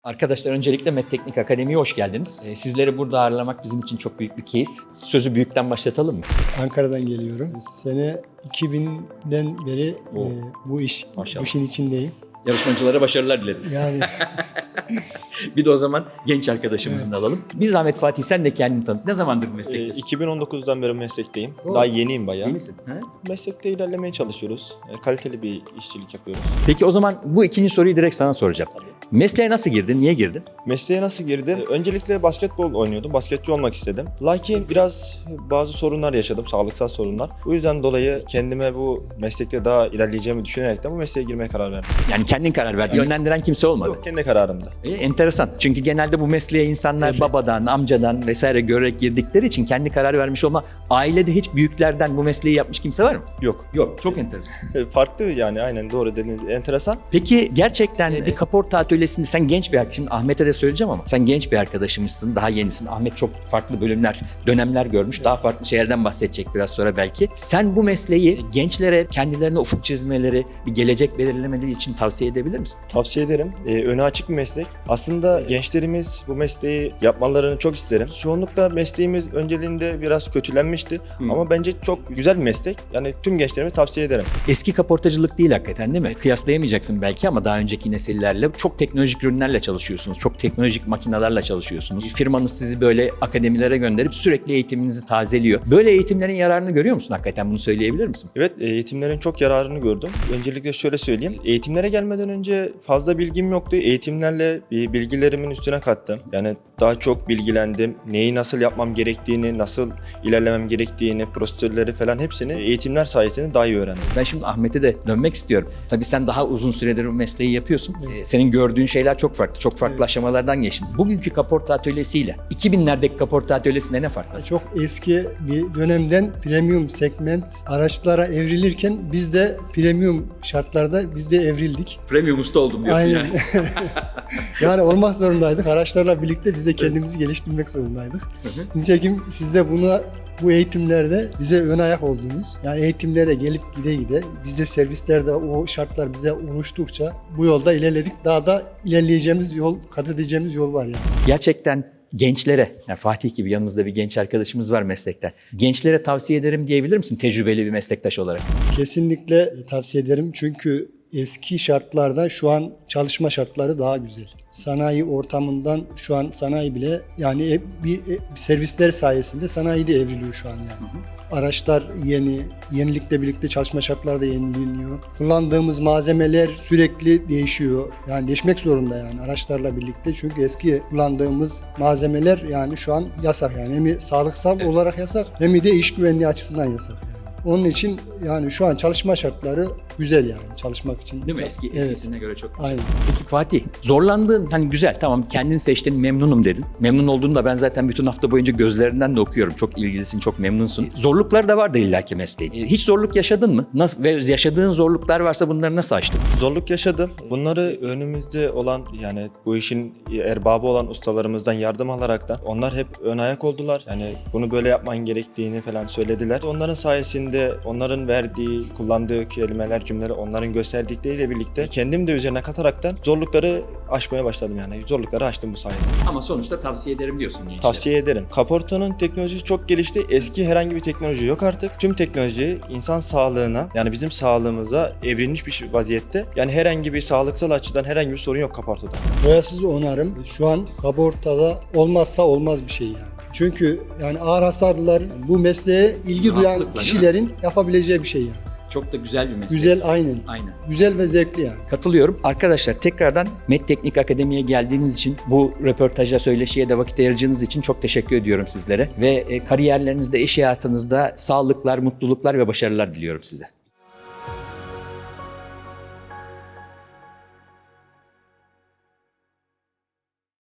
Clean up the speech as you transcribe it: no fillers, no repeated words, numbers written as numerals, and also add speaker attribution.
Speaker 1: Arkadaşlar öncelikle Medteknik Akademi'ye hoş geldiniz. Sizleri burada ağırlamak bizim için çok büyük bir keyif. Sözü büyükten başlatalım mı?
Speaker 2: Ankara'dan geliyorum. Sene 2000'den beri bu işin içindeyim.
Speaker 1: Yarışmacılara başarılar dilerim.
Speaker 2: Yani
Speaker 1: Bir de o zaman genç arkadaşımızı da alalım. Bir zahmet Fatih, sen de kendini tanıt. Ne zamandır bu meslektesin?
Speaker 3: 2019'dan beri meslekteyim. Daha yeniyim bayağı.
Speaker 1: Yenisin. Ha?
Speaker 3: Meslekte ilerlemeye çalışıyoruz. Kaliteli bir işçilik yapıyoruz.
Speaker 1: Peki o zaman bu ikinci soruyu direkt sana soracağım. Mesleğe nasıl girdin? Niye girdin?
Speaker 3: Mesleğe nasıl girdim? Öncelikle basketbol oynuyordum. Basketçi olmak istedim. Lakin bazı sorunlar yaşadım. Sağlıksal sorunlar. Bu yüzden dolayı kendime bu meslekte daha ilerleyeceğimi düşünerek de bu mesleğe girmeye karar verdim.
Speaker 1: Yani kendin karar verdin. Yönlendiren kimse olmadı.
Speaker 3: Yok, kendi kararımda.
Speaker 1: Enteresan. Çünkü genelde bu mesleğe insanlar babadan, amcadan vesaire görerek girdikleri için kendi karar vermiş olma. Ailede hiç büyüklerden bu mesleği yapmış kimse var mı?
Speaker 3: Yok.
Speaker 1: Yok. Çok enteresan.
Speaker 3: Farklı yani, aynen doğru dediniz. Enteresan.
Speaker 1: Peki gerçekten bir kaporta atölyesinde sen genç bir arkadaşım, Ahmet'e de söyleyeceğim ama sen genç bir arkadaşımızsın, daha yenisin. Ahmet çok farklı dönemler görmüş. Daha farklı şeylerden bahsedecek biraz sonra belki. Sen bu mesleği gençlere kendilerine ufuk çizmeleri, bir gelecek belirlemeleri için tavsiye edebilir misin?
Speaker 3: Tavsiye ederim. Önü açık bir meslek. Aslında gençlerimiz bu mesleği yapmalarını çok isterim. Çoğunlukla mesleğimiz önceliğinde biraz kötülenmişti. Ama bence çok güzel bir meslek. Yani tüm gençlerime tavsiye ederim.
Speaker 1: Eski kaportacılık değil hakikaten, değil mi? Kıyaslayamayacaksın belki ama daha önceki nesillerle çok teknolojik ürünlerle çalışıyorsunuz. Çok teknolojik makinelerle çalışıyorsunuz. Firmanız sizi böyle akademilere gönderip sürekli eğitiminizi tazeliyor. Böyle eğitimlerin yararını görüyor musun hakikaten? Bunu söyleyebilir misin?
Speaker 3: Evet, eğitimlerin çok yararını gördüm. Öncelikle şöyle söyleyeyim. Eğitimlere gelmeden önce fazla bilgim yoktu. Eğitimlerle bilgilerimin üstüne kattım. Yani daha çok bilgilendim. Neyi nasıl yapmam gerektiğini, nasıl ilerlemem gerektiğini, prosedürleri falan hepsini eğitimler sayesinde daha iyi öğrendim.
Speaker 1: Ben şimdi Ahmet'e de dönmek istiyorum. Tabii sen daha uzun süredir bu mesleği yapıyorsun. Senin gördüğün şeyler çok farklı. Çok farklı aşamalardan geçtin. Bugünkü kaporta atölyesiyle 2000'lerdeki kaporta atölyesinde ne fark var?
Speaker 2: çok eski bir dönemden premium segment araçlara evrilirken biz de premium şartlarda biz de evrildik.
Speaker 1: Premium usta oldum diyorsun
Speaker 2: Aynen.
Speaker 1: yani.
Speaker 2: Yani olmak zorundaydık. Araçlarla birlikte biz de kendimizi geliştirmek zorundaydık. Nitekim siz de bu eğitimlerde bize ön ayak oldunuz. Yani eğitimlere gelip gide biz de servislerde o şartlar bize oluştukça bu yolda ilerledik. Daha da ilerleyeceğimiz yol, kat edeceğimiz yol var yani.
Speaker 1: Gerçekten gençlere, yani Fatih gibi yanımızda bir genç arkadaşımız var meslekten. Gençlere tavsiye ederim diyebilir misin tecrübeli bir meslektaş olarak?
Speaker 2: Kesinlikle tavsiye ederim çünkü eski şartlarda şu an çalışma şartları daha güzel. Sanayi ortamından şu an sanayi bile yani bir servisler sayesinde sanayi de evriliyor şu an yani. Araçlar yenilikle birlikte çalışma şartları da yenileniyor. Kullandığımız malzemeler sürekli değişiyor. Yani değişmek zorunda yani araçlarla birlikte. Çünkü eski kullandığımız malzemeler yani şu an yasak yani. Hem sağlıksal olarak yasak hem de iş güvenliği açısından yasak. Onun için yani şu an çalışma şartları güzel yani çalışmak için.
Speaker 1: Değil mi? Eskisine göre çok güzel.
Speaker 2: Aynen.
Speaker 1: Peki Fatih, zorlandığın, hani güzel tamam kendin seçtin, memnunum dedin. Memnun olduğunu da ben zaten bütün hafta boyunca gözlerinden de okuyorum. Çok ilgilisin, çok memnunsun. Zorluklar da vardır illaki mesleğin. Hiç zorluk yaşadın mı? Nasıl, ve yaşadığın zorluklar varsa bunları nasıl aştın?
Speaker 3: Zorluk yaşadım. Bunları önümüzde olan yani bu işin erbabı olan ustalarımızdan yardım alaraktan onlar hep ön ayak oldular. Yani bunu böyle yapman gerektiğini falan söylediler. Onların sayesinde onların verdiği, kullandığı kelimeler, cümleler, onların gösterdikleriyle birlikte kendim de üzerine kataraktan zorlukları aşmaya başladım yani. Zorlukları aştım bu sayede.
Speaker 1: Ama sonuçta tavsiye ederim diyorsun gençlere.
Speaker 3: Tavsiye ederim. Kaportanın teknolojisi çok gelişti. Eski herhangi bir teknoloji yok artık. Tüm teknoloji insan sağlığına yani bizim sağlığımıza evrilmiş bir vaziyette. Yani herhangi bir sağlıksal açıdan herhangi bir sorun yok kaportada.
Speaker 2: Boyasız onarım şu an kaportada olmazsa olmaz bir şey yani. Çünkü yani ağır hasarlılar bu mesleğe ilgi duyan
Speaker 1: Rahatlıkla,
Speaker 2: kişilerin yapabileceği bir şey yani.
Speaker 1: Çok da güzel bir meslek.
Speaker 2: Güzel aynen.
Speaker 1: Aynen.
Speaker 2: Güzel ve zevkli yani.
Speaker 1: Katılıyorum. Arkadaşlar tekrardan Medteknik Akademi'ye geldiğiniz için, bu röportaja, söyleşiye de vakit ayırdığınız için çok teşekkür ediyorum sizlere. Ve kariyerlerinizde, iş hayatınızda sağlıklar, mutluluklar ve başarılar diliyorum size.